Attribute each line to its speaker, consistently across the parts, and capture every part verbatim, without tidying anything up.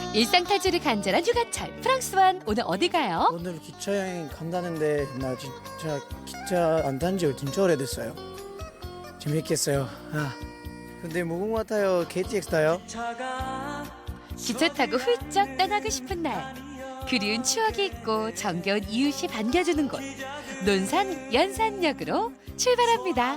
Speaker 1: 일상 탈출이 간절한 휴가철 프랑스완 오늘 어디 가요?
Speaker 2: 오늘 기차 여행 간다는데 나 진짜 기차 안 탄 지 진짜 오래됐어요. 재밌겠어요. 아, 근데 무궁 같아요. 케이티엑스 타요?
Speaker 1: 기차 타고 훌쩍 떠나고 싶은 날 그리운 추억이 있고 정겨운 이웃이 반겨주는 곳 논산 연산역으로 출발합니다.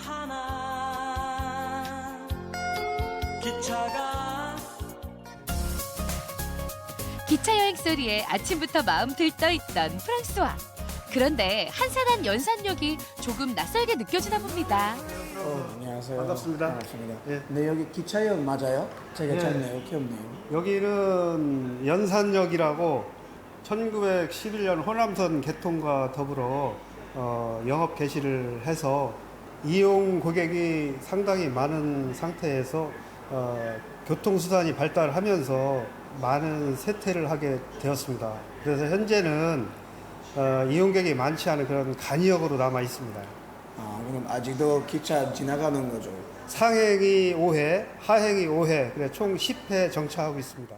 Speaker 1: 기차 여행 소리에 아침부터 마음 들떠있던 프랑스와 그런데 한산한 연산역이 조금 낯설게 느껴지나 봅니다.
Speaker 2: 어, 안녕하세요.
Speaker 3: 반갑습니다.
Speaker 2: 반갑습니다.
Speaker 3: 예.
Speaker 2: 네, 여기 기차역 맞아요? 제가
Speaker 3: 예.
Speaker 2: 찾네요. 기억네요.
Speaker 3: 여기는 연산역이라고 천구백십일 년 호남선 개통과 더불어 어, 영업 개시를 해서 이용 고객이 상당히 많은 상태에서 어, 교통수단이 발달하면서 많은 쇠퇴를 하게 되었습니다. 그래서 현재는 어, 이용객이 많지 않은 그런 간이역으로 남아 있습니다.
Speaker 2: 아, 그럼 아직도 기차 지나가는 거죠?
Speaker 3: 상행이 오 회, 하행이 오 회, 그래 총 십 회 정차하고 있습니다.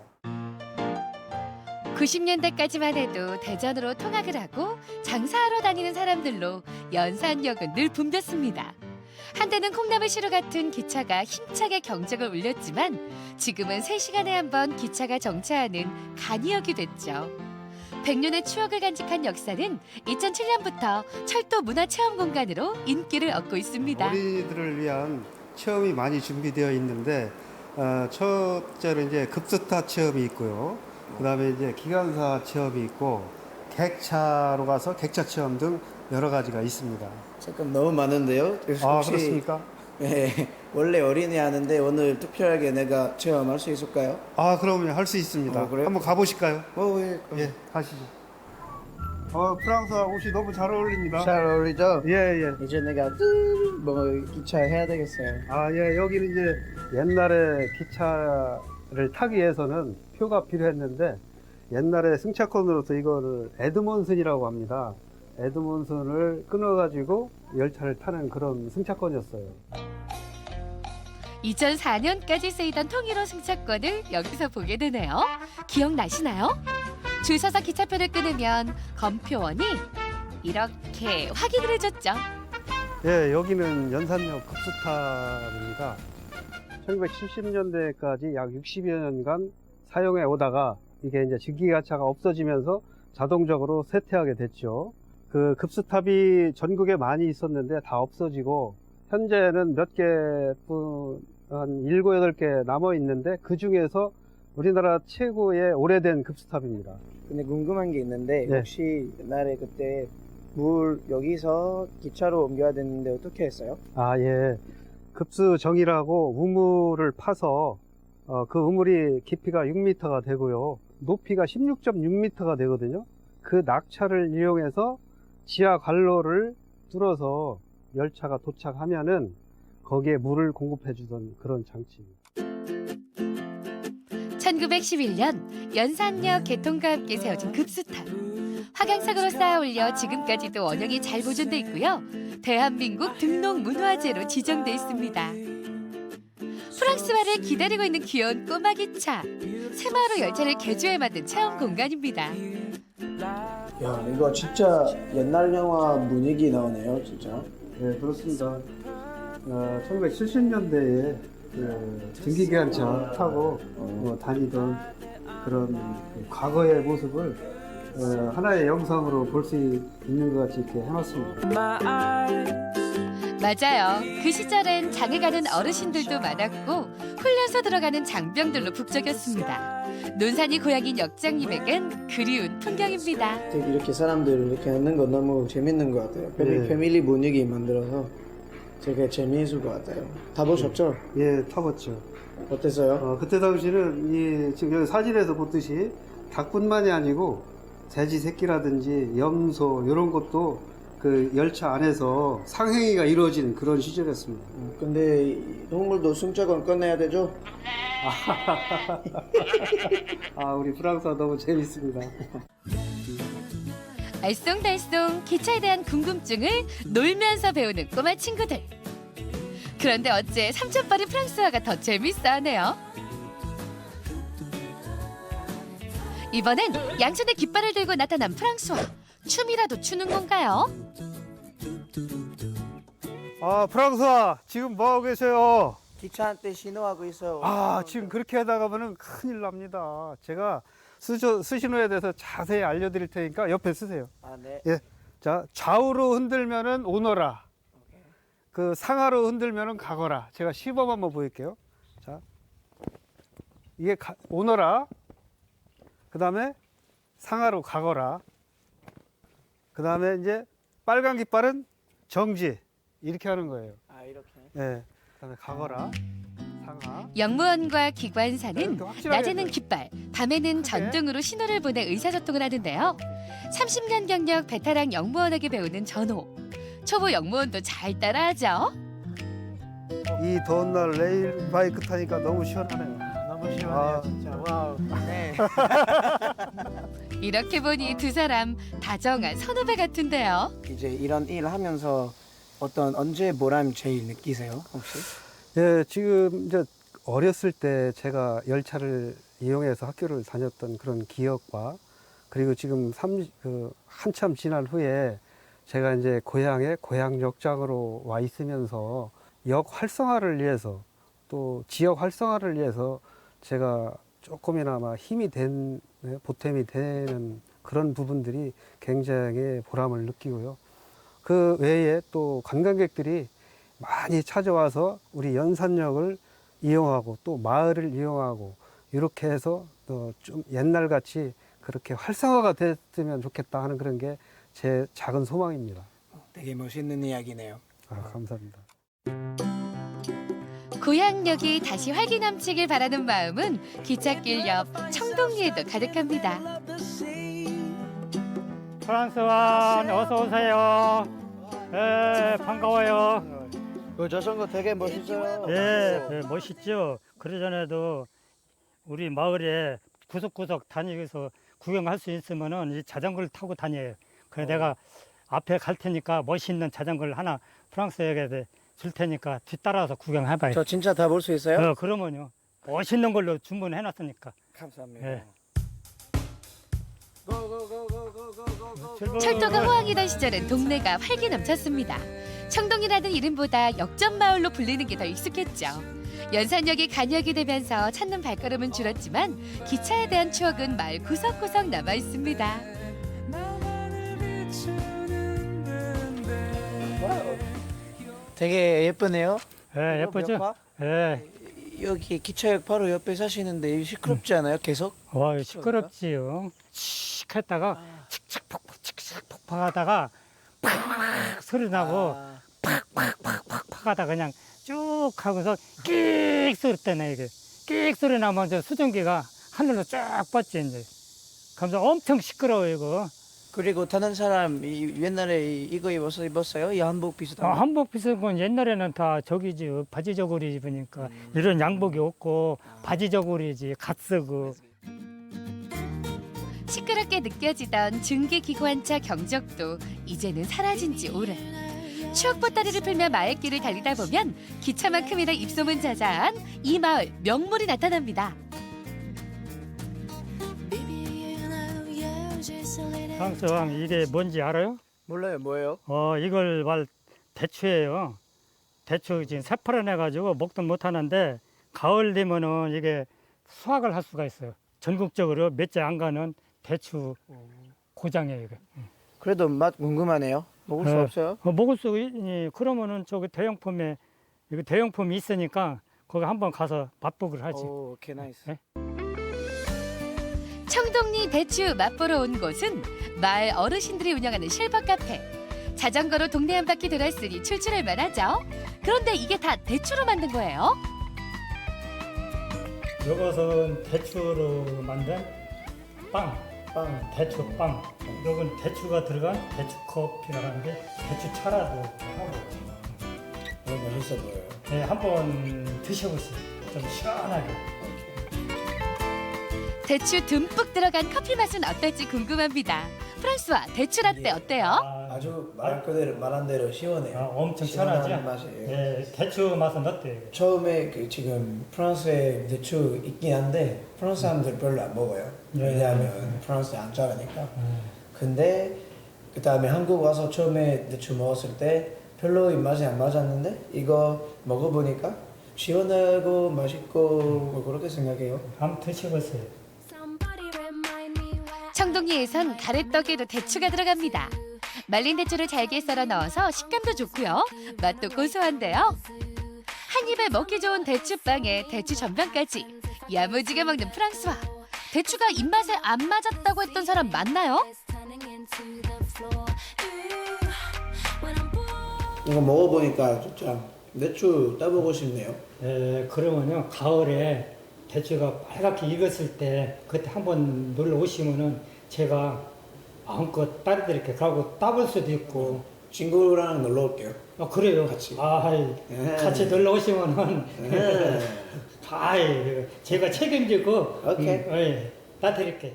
Speaker 1: 구십 년대까지만 해도 대전으로 통학을 하고 장사하러 다니는 사람들로 연산역은 늘 붐볐습니다. 한때는 콩나물시루 같은 기차가 힘차게 경적을 울렸지만 지금은 세 시간에 한 번 기차가 정차하는 간이역이 됐죠. 백 년의 추억을 간직한 역사는 이천칠 년부터 철도 문화체험공간으로 인기를 얻고 있습니다.
Speaker 3: 어린이들을 위한 체험이 많이 준비되어 있는데 어, 첫째로 이제 급스타 체험이 있고요. 그다음에 이제 기관사 체험이 있고 객차로 가서 객차 체험 등 여러 가지가 있습니다.
Speaker 2: 잠깐 너무 많은데요? 그래서
Speaker 3: 아,
Speaker 2: 혹시-
Speaker 3: 그렇습니까?
Speaker 2: 네, 원래 어린이 하는데 오늘 특별하게 내가 체험할 수 있을까요?
Speaker 3: 아, 그러면 할 수 있습니다.
Speaker 2: 어, 그래요?
Speaker 3: 한번 가보실까요?
Speaker 2: 어, 예. 그럼.
Speaker 3: 예, 가시죠. 어, 프랑스 옷이 너무 잘 어울립니다.
Speaker 2: 잘 어울리죠?
Speaker 3: 예, 예.
Speaker 2: 이제 내가 뭐 기차 해야 되겠어요.
Speaker 3: 아, 예, 여기는 이제 옛날에 기차를 타기 위해서는 표가 필요했는데 옛날에 승차권으로서 이거를 에드몬슨이라고 합니다. 에드몬슨을 끊어가지고 열차를 타는 그런 승차권이었어요.
Speaker 1: 이천사 년까지 쓰이던 통일호 승차권을 여기서 보게 되네요. 기억나시나요? 줄 서서 기차표를 끊으면 검표원이 이렇게 확인을 해줬죠.
Speaker 3: 예, 여기는 연산역 급스탑입니다. 천구백칠십 년대까지 약 육십여 년간 사용해 오다가 이게 이제 증기기관차가 없어지면서 자동적으로 쇠퇴하게 됐죠. 그 급스탑이 전국에 많이 있었는데 다 없어지고 현재는 몇 개뿐 한 일곱, 여덟 개 남아 있는데 그 중에서 우리나라 최고의 오래된 급스탑입니다.
Speaker 2: 근데 궁금한 게 있는데
Speaker 3: 네.
Speaker 2: 혹시 옛날에 그때 물 여기서 기차로 옮겨야 됐는데 어떻게 했어요?
Speaker 3: 아, 예. 급수정이라고 우물을 파서 어, 그 우물이 깊이가 육 미터가 되고요. 높이가 십육 점 육 미터가 되거든요. 그 낙차를 이용해서 지하 관로를 뚫어서 열차가 도착하면은 거기에 물을 공급해 주던 그런 장치입니다.
Speaker 1: 천구백십일 년 연산역 개통과 함께 세워진 급수탑. 확양석으로 쌓아 올려 지금까지도 원형이 잘 보존돼 있고요. 대한민국 등록문화재로 지정돼 있습니다. 프랑스화를 기다리고 있는 귀여운 꼬마 기차. 새마을호 열차를 개조해 만든 체험 공간입니다.
Speaker 2: 야, 이거 진짜 옛날 영화 분위기 나오네요, 진짜.
Speaker 3: 네, 그렇습니다. 어, 천구백칠십 년대에 그 증기기관차 타고 어, 다니던 그런 그 과거의 모습을 어, 하나의 영상으로 볼 수 있는 것 같이 이렇게 해놨습니다.
Speaker 1: 맞아요. 그 시절엔 장에 가는 어르신들도 많았고 훈련소 들어가는 장병들로 북적였습니다. 논산이 고향인 역장님에겐 그리운 풍경입니다.
Speaker 2: 되게 이렇게 사람들 이렇게 하는 거 너무 재밌는 것 같아요. 패밀리,
Speaker 3: 네.
Speaker 2: 패밀리 분위기 만들어서 되게 재미있을 것 같아요. 타보셨죠?
Speaker 3: 예, 타봤죠.
Speaker 2: 어땠어요?
Speaker 3: 어, 그때 당시는 이 지금 여기 사진에서 보듯이 닭뿐만이 아니고 돼지 새끼라든지 염소 이런 것도 그 열차 안에서 상행위가 이루어진 그런 시절이었습니다.
Speaker 2: 음, 근데 이 동물도 승차권 꺼내야 되죠?
Speaker 3: 아, 우리 프랑스가 너무 재밌습니다.
Speaker 1: 알쏭달쏭 기차에 대한 궁금증을 놀면서 배우는 꼬마 친구들. 그런데 어째 삼촌뻘인 프랑스화가 더 재밌어 하네요. 이번엔 양손에 깃발을 들고 나타난 프랑스와. 춤이라도 추는 건가요?
Speaker 3: 아, 프랑스와 지금 뭐 하고 계세요?
Speaker 2: 기차한테 신호하고 있어요.
Speaker 3: 아, 지금 그렇게 하다 가면은 큰일 납니다. 제가 수저, 수신호에 대해서 자세히 알려드릴 테니까 옆에 쓰세요.
Speaker 2: 아, 네.
Speaker 3: 예. 자, 좌우로 흔들면은 오너라. 그 상하로 흔들면은 가거라. 제가 시범 한번 보일게요. 자, 이게 가, 오너라. 그 다음에 상하로 가거라. 그 다음에 이제 빨간 깃발은 정지. 이렇게 하는 거예요.
Speaker 2: 아, 이렇게.
Speaker 3: 예. 그 다음에 가거라. 상하.
Speaker 1: 영무원과 기관사는
Speaker 3: 이렇게 확실하게
Speaker 1: 낮에는
Speaker 3: 해줘요.
Speaker 1: 깃발, 밤에는 전등으로 신호를 보내 의사소통을 하는데요. 삼십 년 경력 베테랑 영무원에게 배우는 전호. 초보 영무원도 잘 따라하죠.
Speaker 3: 이 더운 날 레일 바이크 타니까 너무 시원하네요.
Speaker 2: 너무 시원해요,
Speaker 3: 아.
Speaker 2: 진짜. 와우. 네.
Speaker 1: 이렇게 보니 두 사람 다정한 선후배 같은데요.
Speaker 2: 이제 이런 일 하면서 어떤 언제 보람 제일 느끼세요, 혹시?
Speaker 3: 예, 지금 이제 어렸을 때 제가 열차를 이용해서 학교를 다녔던 그런 기억과 그리고 지금 삼, 그 한참 지난 후에 제가 이제 고향에 고향역장으로 와 있으면서 역 활성화를 위해서 또 지역 활성화를 위해서 제가 조금이나마 힘이 된, 네, 보탬이 되는 그런 부분들이 굉장히 보람을 느끼고요. 그 외에 또 관광객들이 많이 찾아와서 우리 연산역을 이용하고 또 마을을 이용하고 이렇게 해서 또 좀 옛날같이 그렇게 활성화가 됐으면 좋겠다 하는 그런 게 제 작은 소망입니다.
Speaker 2: 되게 멋있는 이야기네요.
Speaker 3: 아, 감사합니다.
Speaker 1: 고향역이 다시 활기 넘치길 바라는 마음은 기찻길 옆 청동리에도 가득합니다.
Speaker 4: 프랑스완 어서 오세요. 예, 반가워요.
Speaker 2: 그 자전거 되게 멋있어요.
Speaker 4: 예, 예, 멋있죠. 그러전에도 우리 마을에 구석구석 다니면서 구경할 수 있으면은 이 자전거를 타고 다녀요. 그래서 내가 앞에 갈 테니까 멋있는 자전거를 하나 프랑스에게 줄 테니까 뒤따라서 구경해봐요.
Speaker 2: 저 진짜 다 볼 수 있어요?
Speaker 4: 어, 그러면요. 멋있는 걸로 주문해놨으니까.
Speaker 2: 감사합니다.
Speaker 4: 예.
Speaker 1: 철도가 호황이던 시절엔 동네가 활기 넘쳤습니다. 청동이라는 이름보다 역전마을로 불리는 게 더 익숙했죠. 연산역이 간역이 되면서 찾는 발걸음은 줄었지만 기차에 대한 추억은 마을 구석구석 남아 있습니다.
Speaker 2: 되게 예쁘네요.
Speaker 4: 예, 예쁘죠?
Speaker 2: 몇 바?
Speaker 4: 예.
Speaker 2: 여기 기차역 바로 옆에 사시는데 시끄럽지 않아요? 계속?
Speaker 4: 와, 시끄럽지요. 칙 했다가 칙칙폭폭 칙칙폭폭 하다가 팍 소리 나고
Speaker 2: 아,
Speaker 4: 팍팍팍팍 하다 그냥 쭉 하고서 끽 소리 때네 이게. 끽 소리 나면 이제 수증기가 하늘로 쫙 뻗지 이제. 그러면서 엄청 시끄러워 이거.
Speaker 2: 그리고 다른 사람 이, 옛날에 이- 이거 입어서 입었어요? 이 한복 비슷한
Speaker 4: 어,
Speaker 2: 거?
Speaker 4: 한복 비싼 건 옛날에는 다 저기지 바지 저고리 입으니까 이런 양복이 없고 바지 저고리지 갓 쓰고.
Speaker 1: 시끄럽게 느껴지던 증기기관차 경적도 이제는 사라진 지 오래. 추억 보따리를 풀며 마을길을 달리다 보면 기차만큼이나 입소문 자자한 이 마을 명물이 나타납니다.
Speaker 4: 프랑스왕 이게 뭔지 알아요?
Speaker 2: 몰라요, 뭐예요?
Speaker 4: 어 이걸 말 대추예요. 대추 지금 새파란 해가지고 먹도 못 하는데 가을 되면은 이게 수확을 할 수가 있어요. 전국적으로 몇 째 안 가는 대추 고장이에요 이게.
Speaker 2: 그래도 맛 궁금하네요. 먹을 수
Speaker 4: 네.
Speaker 2: 없어요?
Speaker 4: 어, 먹을 수 있니? 그러면은 저기 대형품에 이거 대형품이 있으니까 거기 한번 가서 맛보기를 하지.
Speaker 2: 오, 오케이, 나이스.
Speaker 4: 네.
Speaker 1: 청동리 대추 맛보러 온 곳은 마을 어르신들이 운영하는 실버 카페. 자전거로 동네 한 바퀴 돌았으니 출출할 만하죠. 그런데 이게 다 대추로 만든 거예요.
Speaker 4: 이것은 대추로 만든 빵, 빵, 대추 빵. 이건 대추가 들어간 대추 커피라고 하는데 대추 차라도 하고.
Speaker 2: 너무 맛있어 보여요.
Speaker 4: 네, 한번 드셔보세요. 좀 시원하게.
Speaker 1: 대추 듬뿍 들어간 커피 맛은 어떨지 궁금합니다. 프랑스와 대추 라떼 어때요?
Speaker 4: 아,
Speaker 2: 아주 말 그대로 말한 대로 시원해요.
Speaker 4: 아, 엄청
Speaker 2: 시원한
Speaker 4: 시원하죠?
Speaker 2: 맛이에요.
Speaker 4: 예, 대추 맛은 어때요?
Speaker 2: 처음에 그 지금 프랑스에 대추 있긴 한데 프랑스 사람들 별로 안 먹어요.
Speaker 4: 네.
Speaker 2: 왜냐하면 프랑스 안 자라니까.
Speaker 4: 음.
Speaker 2: 근데 그 다음에 한국 와서 처음에 대추 먹었을 때 별로 입맛이 안 맞았는데 이거 먹어보니까 시원하고 맛있고 뭐 그렇게 생각해요.
Speaker 4: 한번 드셔보세요.
Speaker 1: 청동리에선 가래떡에도 대추가 들어갑니다. 말린 대추를 잘게 썰어 넣어서 식감도 좋고요. 맛도 고소한데요. 한 입에 먹기 좋은 대추빵에 대추 전병까지 야무지게 먹는 프랑스와 대추가 입맛에 안 맞았다고 했던 사람 맞나요?
Speaker 2: 이거 먹어보니까 진짜 대추 따보고 싶네요.
Speaker 4: 예, 그러면요 가을에 대추가 빨갛게 익었을 때 그때 한번 놀러 오시면은 제가 마음껏 따드릴게요. 그러고 따볼 수도 있고.
Speaker 2: 친구랑 놀러 올게요.
Speaker 4: 아 그래요.
Speaker 2: 같이.
Speaker 4: 아,
Speaker 2: 네.
Speaker 4: 같이 놀러 오시면은
Speaker 2: 네.
Speaker 4: 아이 제가 책임지고
Speaker 2: 오케이.
Speaker 4: 음, 예, 따드릴게요.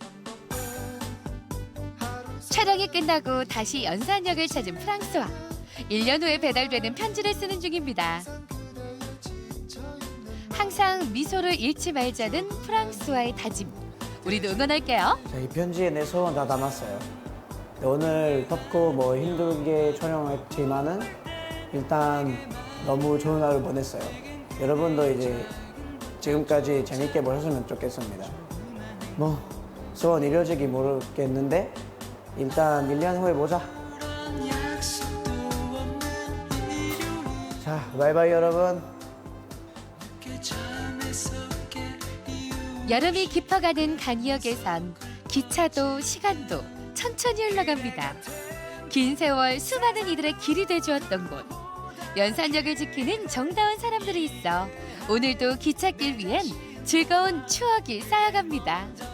Speaker 1: 촬영이 끝나고 다시 연산역을 찾은 프랑스와 일 년 후에 배달되는 편지를 쓰는 중입니다. 항상 미소를 잃지 말자는 프랑스와의 다짐. 우리도 응원할게요.
Speaker 2: 자, 이 편지에 내 소원 다 담았어요. 오늘 덥고 뭐 힘들게 촬영했지만은 일단 너무 좋은 하루 보냈어요. 여러분도 이제 지금까지 재밌게 보셨으면 좋겠습니다. 뭐 소원 이루어지기 모르겠는데 일단 일 년 후에 보자. 자, 바이바이 여러분.
Speaker 1: 여름이 깊어가는 간이역에선 기차도 시간도 천천히 흘러갑니다. 긴 세월 수많은 이들의 길이 돼주었던 곳. 연산역을 지키는 정다운 사람들이 있어 오늘도 기찻길 위엔 즐거운 추억이 쌓여갑니다.